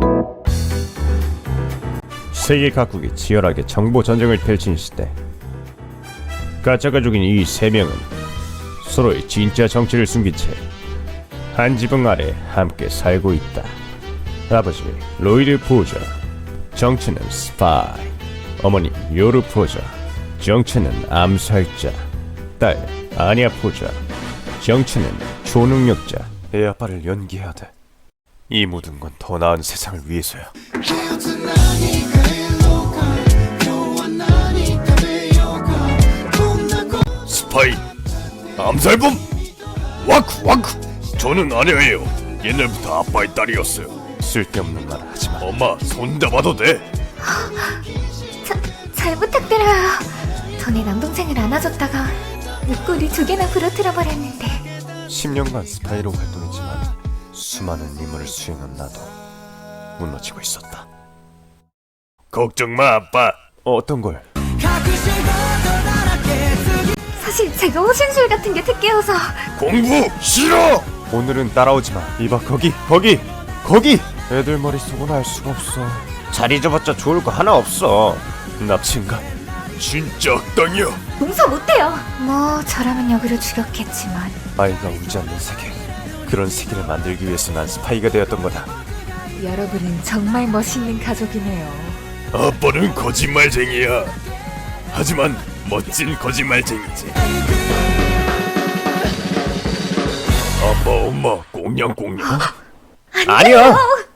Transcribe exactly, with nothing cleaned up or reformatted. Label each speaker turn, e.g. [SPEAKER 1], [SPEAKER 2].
[SPEAKER 1] 세계 각국이 치열하게 정보 전쟁을 펼친 시대, 가짜 가족인 이 세 명은 서로의 진짜 정체를 숨긴 채 한 지붕 아래 함께 살고 있다. 아버지 로이드 포저, 정체는 스파이. 어머니 요르 포저, 정체는 암살자. 딸 아니아 포저, 정체는 초능력자. 애 아빠를 연기해야 돼. 이 모든 건 더 나은 세상을 위해서야. 스파이, 암살범, 와쿠 와쿠. 저는 아니에요. 옛날부터 아빠의 딸이었어요. 쓸데없는 말 하지마. 엄마, 손잡아도 돼?
[SPEAKER 2] 자, 잘 부탁드려요. 전에 남동생을 안아줬다가 목걸이 두 개나 부러뜨려 버렸는데.
[SPEAKER 1] 십 년간 스파이로 활동했지만 수많은 임무를 수행한 나도 무너지고 있었다. 걱정 마, 아빠. 어떤 걸?
[SPEAKER 2] 사실 제가 호신술 같은 게 특기여서.
[SPEAKER 1] 공부 싫어. 오늘은 따라오지 마. 이봐, 거기 거기 거기. 애들 머릿속은 알 수가 없어. 잘 잊어봤자 좋을 거 하나 없어. 납치인가? 진짜 악당이야.
[SPEAKER 2] 용서 못해요. 뭐 저라면 역으로 죽였겠지만.
[SPEAKER 1] 아이가 울지 않는 세계, 그런 세계를 만들기 위해서 난 스파이가 되었던 거다.
[SPEAKER 2] 여러분은 정말 멋있는 가족이네요.
[SPEAKER 1] 아빠는 거짓말쟁이야. 하지만 멋진 거짓말쟁이지. 아빠, 엄마 꽁냥꽁냥.
[SPEAKER 2] 아니야.